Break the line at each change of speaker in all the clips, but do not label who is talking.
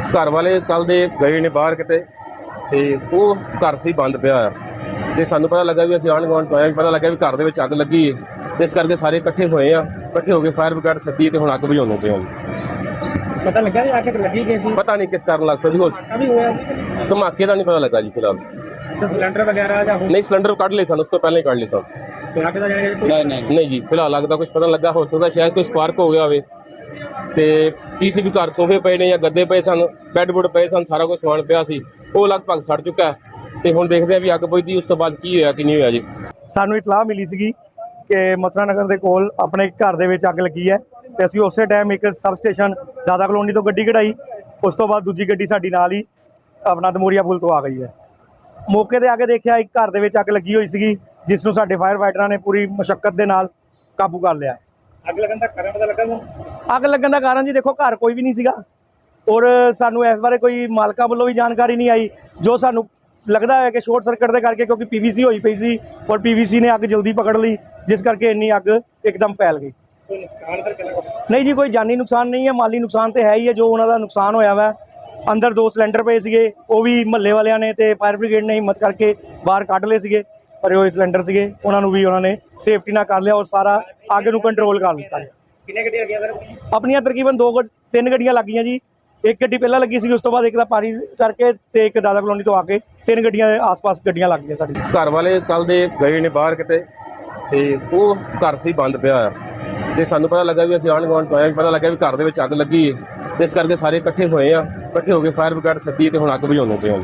घर वाले कल दे गए ने बाहर किते ते वो घर से बंद पिया आ ते सानू पता लगा भी असीं आंढ गुआंढ तो आए, पता लगा भी घर दे विच अग लगी है ते इस करके सारे इकट्ठे होए आ। इकट्ठे हो के फायर ब्रिगेड सद्दी ते हुण अग बुझाउणे पे आ।
पता लगा भी आके लगी गई थी।
पता नहीं किस कारण लग सकदी हो,
धमाका भी होया जी।
धमाके दा नहीं पता लगा जी फिलहाल।
तो सिलेंडर वगैरह या
नहीं सिलेंडर कढ लए सन, उस तो पहले ही कढ लए सन।
धमाके का
नहीं जी फिलहाल अग दा कुछ पता लगा, हो सकदा शायद कोई स्पार्क हो गया होवे ते किसी भी घर सोफे पे ने या गद्दे पे सन, बैड बुड पे सन, सारा कुछ समान पिया सी वो लगभग सड़ चुका है ते हुण देखदे आ भी अग बुझदी उस तो बाद की होया कि नहीं होया जी।
ਸਾਨੂੰ ਇਤਲਾਹ ਮਿਲੀ ਸੀਗੀ ਕਿ ਮਥੁਰਾ ਨਗਰ ਦੇ ਕੋਲ ਆਪਣੇ ਘਰ ਦੇ ਵਿੱਚ ਅੱਗ ਲੱਗੀ ਹੈ ਤੇ ਅਸੀਂ ਉਸੇ ਟਾਈਮ ਇੱਕ ਸਬ ਸਟੇਸ਼ਨ ਦਾਦਾ ਕਲੋਨੀ ਤੋਂ ਗੱਡੀ ਕਢਾਈ। ਉਸ ਤੋਂ ਬਾਅਦ ਦੂਜੀ ਗੱਡੀ ਸਾਡੀ ਨਾਲ ਹੀ ਆਪਣਾ ਦਮੂਰੀਆ ਪੁਲ ਤੋਂ ਆ ਗਈ ਹੈ। ਮੌਕੇ ਤੇ ਆ ਕੇ ਦੇਖਿਆ ਇੱਕ ਘਰ ਦੇ ਵਿੱਚ ਅੱਗ ਲੱਗੀ ਹੋਈ ਸੀਗੀ, ਜਿਸ ਨੂੰ ਸਾਡੇ ਫਾਇਰ ਫਾਈਟਰਾਂ ਨੇ ਪੂਰੀ ਮੁਸ਼ੱਕਤ ਦੇ ਨਾਲ ਕਾਬੂ ਕਰ ਲਿਆ।
ਅੱਗ ਲੱਗਣ ਦਾ ਕਾਰਨ ਪਤਾ ਲੱਗਾ ਤੁਹਾਨੂੰ?
ਅੱਗ ਲੱਗਣ ਦਾ ਕਾਰਨ ਜੀ ਦੇਖੋ ਘਰ ਕੋਈ ਵੀ ਨਹੀਂ ਸੀਗਾ ਔਰ ਸਾਨੂੰ ਇਸ ਬਾਰੇ ਕੋਈ ਮਾਲਕਾਂ ਵੱਲੋਂ ਵੀ ਜਾਣਕਾਰੀ ਨਹੀਂ ਆਈ। ਜੋ ਸਾਨੂੰ लगता है कि शॉर्ट सर्किट के करके, क्योंकि PVC हुई पई सी और PVC ने अग जल्दी पकड़ ली, जिस करके इन्नी अग एकदम फैल गई।
कोई नुकसान फिर कितना कुछ?
नहीं जी कोई जानी नुकसान नहीं है, माली नुकसान तो है ही है। जो उन्होंने नुकसान होया वा अंदर 2 सिलेंडर पे सीगे, वो भी महल्ले वालियां ने ते फायर ब्रिगेड ने हिम्मत करके बाहर कढ़ लए सीगे, पर वो सिलेंडर सीगे उन्होंने भी उन्होंने सेफ्टी नाल कर लिया और सारा अग नूं कंट्रोल कर लिता।
कितने गड्डियां लगियां सर?
अपनियां तकरीबन 3 गड्डियां लग गईयां जी। एक गड्डी पहला लगी सी, उस तो बाद एक दा पानी करके ते एक दादा कलोनी तो आके 3 गड्डियां आस-पास गड्डियां लग गईयां साडी।
घर वाले कल दे गए ने बाहर किते ते वो घर से बंद पिया आ ते सानू पता लगा भी असीं आंढ गुआंढ तो आए, पता लगा भी घर दे विच अग लगी है ते इस करके सारे इकट्ठे होए आ। इकट्ठे हो के फायर ब्रिगेड सद्दी ते हुण अग बुझाउणे पे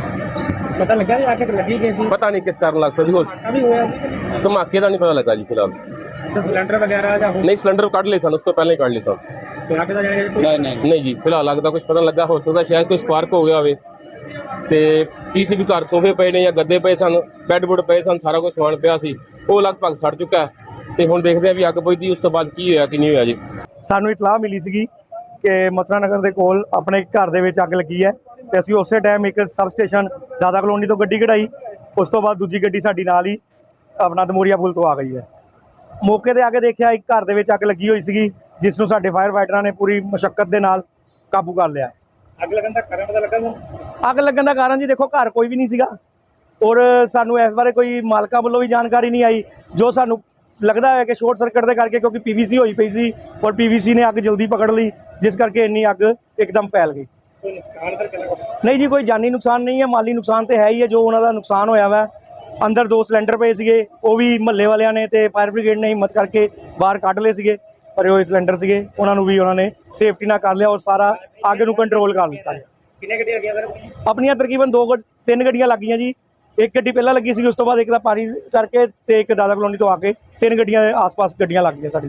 आ।
पता लगा भी आके लगी गई थी।
पता नहीं किस कारण लग सकदी हो,
धमाका भी होया जी।
धमाके दा नहीं पता लगा जी फिलहाल।
तो सिलेंडर वगैरह या
नहीं सिलेंडर कढ लए सन, उस तो पहले ही कढ लए सन।
धमाके का
नहीं जी फिलहाल अग दा कुछ पता लगा, हो सकदा शायद कोई स्पार्क हो गया होवे ते किसी भी घर सोफे पे ने या गद्दे पे सन, बैड बुड पे सन, सारा कुछ समान पिया सी वो लगभग सड़ चुका है ते हुण देखदे आ भी अग बुझदी उस तो बाद की होया कि नहीं होया जी।
ਸਾਨੂੰ ਇਤਲਾਹ ਮਿਲੀ ਸੀਗੀ ਕਿ ਮਥੁਰਾ ਨਗਰ ਦੇ ਕੋਲ ਆਪਣੇ ਘਰ ਦੇ ਵਿੱਚ ਅੱਗ ਲੱਗੀ ਹੈ ਤੇ ਅਸੀਂ ਉਸੇ ਟਾਈਮ ਇੱਕ ਸਬ ਸਟੇਸ਼ਨ ਦਾਦਾ ਕਲੋਨੀ ਤੋਂ ਗੱਡੀ ਕਢਾਈ। ਉਸ ਤੋਂ ਬਾਅਦ ਦੂਜੀ ਗੱਡੀ ਸਾਡੀ ਨਾਲ ਹੀ ਆਪਣਾ ਦਮੂਰੀਆ ਪੁਲ ਤੋਂ ਆ ਗਈ ਹੈ। ਮੌਕੇ ਤੇ ਆ ਕੇ ਦੇਖਿਆ ਇੱਕ ਘਰ ਦੇ ਵਿੱਚ ਅੱਗ ਲੱਗੀ ਹੋਈ ਸੀਗੀ, ਜਿਸ ਨੂੰ ਸਾਡੇ ਫਾਇਰ ਫਾਈਟਰਾਂ ਨੇ ਪੂਰੀ ਮੁਸ਼ੱਕਤ ਦੇ ਨਾਲ ਕਾਬੂ ਕਰ ਲਿਆ।
ਅੱਗ ਲੱਗਣ ਦਾ ਕਾਰਨ ਪਤਾ ਲੱਗਾ ਤੁਹਾਨੂੰ?
ਅੱਗ ਲੱਗਣ ਦਾ ਕਾਰਨ ਜੀ ਦੇਖੋ ਘਰ ਕੋਈ ਵੀ ਨਹੀਂ ਸੀਗਾ ਔਰ ਸਾਨੂੰ ਇਸ ਬਾਰੇ ਕੋਈ ਮਾਲਕਾਂ ਵੱਲੋਂ ਵੀ ਜਾਣਕਾਰੀ ਨਹੀਂ ਆਈ। ਜੋ ਸਾਨੂੰ लगता है कि शॉर्ट सर्किट के करके, क्योंकि PVC हुई पई सी और PVC ने अग जल्दी पकड़ ली, जिस करके इन्नी अग एकदम फैल गई।
कोई नुकसान फिर कितना कुछ?
नहीं जी कोई जानी नुकसान नहीं है, माली नुकसान तो है ही है। जो उन्होंने नुकसान होया वा अंदर 2 सिलेंडर पे सीगे, वो भी महल्ले वालियां ने ते फायर ब्रिगेड ने हिम्मत करके बाहर कढ़ लए सीगे, पर वो सिलेंडर सीगे उन्होंने भी उन्होंने सेफ्टी नाल कर लिया और सारा अग नूं कंट्रोल कर लिता।
कितने गड्डियां लगियां सर?
अपनियां तकरीबन 3 गड्डियां लग गईयां जी। एक गड्डी पहला लगी सी, उस तो बाद एक दा पानी करके ते एक दादा कलोनी तो आके 3 गड्डियां आस-पास गड्डियां लग गईयां साडी।